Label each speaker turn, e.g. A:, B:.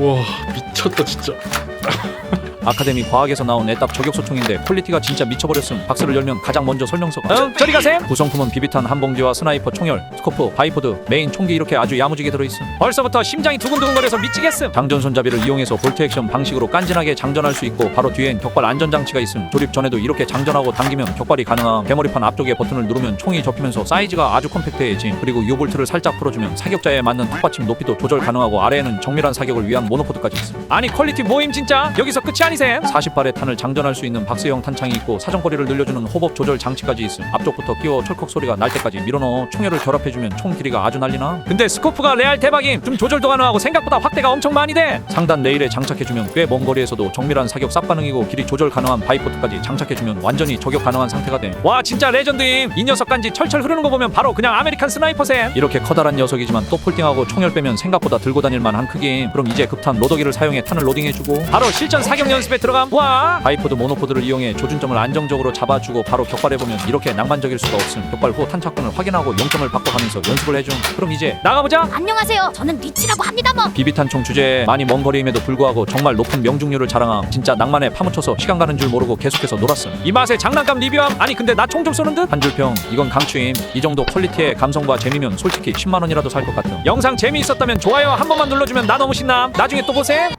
A: 와 미쳤다 진짜.
B: 아카데미 과학에서 나온 애답 저격소총인데 퀄리티가 진짜 미쳐버렸음. 박스를 열면 가장 먼저 설명서가 저리 가셈! 구성품은 비비탄 한 봉지와 스나이퍼 총열, 스코프, 바이포드, 메인 총기 이렇게 아주 야무지게 들어있음. 벌써부터 심장이 두근두근거려서 미치겠음. 장전 손잡이를 이용해서 볼트 액션 방식으로 깐진하게 장전할 수 있고 바로 뒤엔 격발 안전장치가 있음. 조립 전에도 이렇게 장전하고 당기면 격발이 가능함. 대머리판 앞쪽에 버튼을 누르면 총이 접히면서 사이즈가 아주 컴팩트해짐. 그리고 유볼트를 살짝 풀어주면 사격자에 맞는 턱받침 높이도 조절 가능하고 아래에는 정밀한 사격을 위한 모노포드까지 있음. 아니 퀄리티 모임 진짜 여기서 끝이 아니셈. 40발의 탄을 장전할 수 있는 박스형 탄창이 있고 사정거리를 늘려주는 호법 조절 장치까지 있음. 앞쪽부터 끼워 철컥 소리가 날 때까지 밀어넣어 총열을 결합해주면 총 길이가 아주 난리나. 근데 스코프가 레알 대박임. 좀 조절도 가능하고 생각보다 확대가 엄청 많이 돼. 상단 레일에 장착해주면 꽤 먼 거리에서도 정밀한 사격 쌉 반응이고 길이 조절 가능한 바이포트까지 장착해주면 완전히 저격 가능한 상태가 돼. 와 진짜 레전드임. 이 녀석 간지 철철 흐르는 거 보면 바로 그냥 아메리칸 스나이퍼셈. 이렇게 커다란 녀석이지만 또 폴딩하고 총열 빼면 생각보다 들고 다닐만 한 크기임. 그럼 이제 급탄 로더기를 사용해 탄을 로딩해주고 바로 실전 사격 연습에 들어감. 와 바이포드 모노포드를 이용해 조준점을 안정적으로 잡아주고 바로 격발해보면 이렇게 낭만적일 수가 없음. 격발 후 탄착권을 확인하고 0점을 바꿔가면서 연습을 해줌. 그럼 이제 나가보자.
C: 안녕하세요. 저는 리치라고 합니다. 뭐
B: 비비탄총 주제에 많이 먼 거리임에도 불구하고 정말 높은 명중률을 자랑함. 진짜 낭만에 파묻혀서 시간 가는 줄 모르고 계속해서 놀았음. 이 맛에 장난감 리뷰함. 아니 근데 나 총 좀 쏘는 듯? 한 줄평 이건 강추임. 이 정도 퀄리티의 감성과 재미면 솔직히 10만원이라도 살 것 같음. 영상 재미있었다면 좋아요 한 번만 눌러주면 나 너무 신남. 나중에 또 보셈.